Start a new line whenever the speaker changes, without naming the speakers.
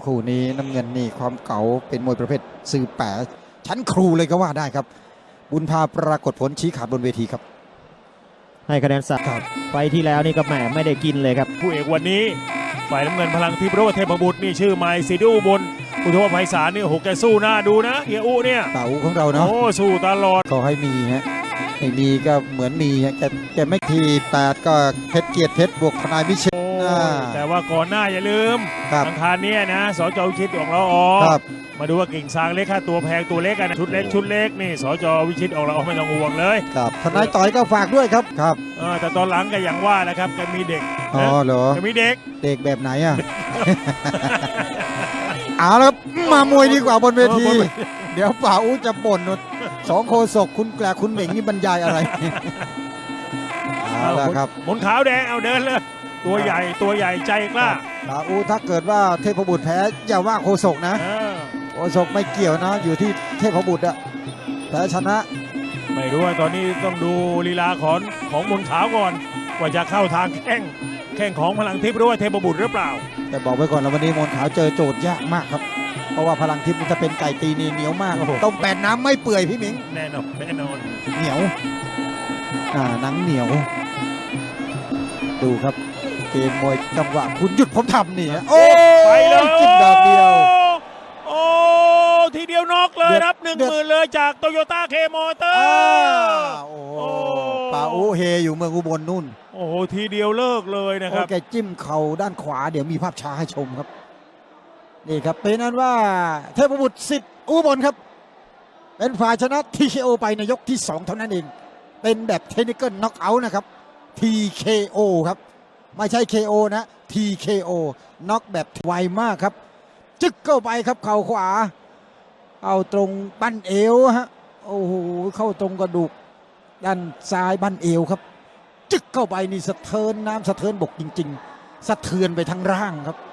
คู่นี้น้ำเงินนี่ความเก๋าเป็นมวยประเภทสื่อแปะชั้นครูเลยก็ว่าได้ครับบุญพาปรากฏผลชี้ขาดบนเวทีครับ
ให้คะแนนสักไฟที่แล้วนี่ก็แหมไม่ได้กินเลยครับ
ผู้เอกวันนี้ฝ่ายน้ำเงินพลังทิพย์โรจน์เทพบุตรนี่ชื่อไมค์ซีดิอุบลอุทวไพศาลนี่โอ้โหแกสู้หน้าดูนะเฮียอุเนี่ย
ตาอูของเราเนาะ
โอ้สู้ตลอด
ขอให้มีฮะไม่มีก็เหมือนมีฮะแกไม่ที8ก็เพชรเกียรติเพชรบวกทนายวิเชษ
แต่ว่าก่อนหน้าอย่าลืมอังคารนี้นะสจวิชิตของเราออกมาดูว่ากิ่งซางเล็กค่าตัวแพงตัวเล็กกันชุดเล็กนี่สจวิชิตออกเราไม่ต้องห่วงเลย
ครับทนายต่อยก็ฝากด้วยครับ
แต่ตอนหลังก็อย่างว่านะครับแกมีเด็ก
อ๋อเหรอ
แกมีเด็ก
แบบไหนอ่ะ เอาแล้วมามวยดีกว่าบนเวทีเดี๋ยวป่าอู้จะบ่นสองโคศกคุณแกลคุณเหม่งนี่บรรยายอะไรเอาละครับ
หมุนขาวแดงเอาเดินเลยตัวใหญ่ใจกล้า
ป่าอู้ถ้าเกิดว่าเทพบุตรแพ้อย่าว่าโคศกนะโคศกไม่เกี่ยวนะอยู่ที่เทพบุตรอะแพ้ชนะ
ไม่รู้ว่าตอนนี้ต้องดูลีลาของหมุนขาวก่อนว่าจะเข้าทางแข้งของพลังทิพย์หรือว่าเทพบุตรหรือเปล่า
แต่บอกไว้ก่อนแล้ววันนี้มนขาวเจอโจทย์ยากมากครับเพราะว่าพลังทิพย์มันจะเป็นไก่ตีเหนียวมากต้มแปดน้ำไม่เปื่อยพี่หมิง
แน่นอน
เหนียวหนังเหนียวดูครับเกมมวยจังหวะคุณหยุดผมทำนี่โอ้
ไปเลย
จิ้มดอกเดียว
โอ้ทีเดียวน็อกเลยรับ10,000เลยจากโตโยต้าเคมอเตอร์
โอ้ป่าอูเฮอยู่เมืองอุบลนู่น
โอ้โหทีเดียวเลิกเลยนะครับ
แกจิ้มเข่าด้านขวาเดี๋ยวมีภาพช้าให้ชมครับนี่ครับเป็นนั้นว่าเทพบุตรสิทธิ์อุบลครับเป็นฝ่ายชนะ TKO ไปในยกที่2เท่านั้นเองเป็นแบบเทคนิคอลน็อกเอาท์นะครับ TKO ครับไม่ใช่ KO นะ TKO น็อกแบบไวมากครับจึ๊กเข้าไปครับเข่าขวาเอาตรงบั้นเอวฮะโอ้โหเข้าตรงกระดูกด้านซ้ายบั้นเอวครับจึ๊กเข้าไปนี่สะเทินน้ำสะเทินบกจริงๆสะเทือนไปทั้งร่างครับ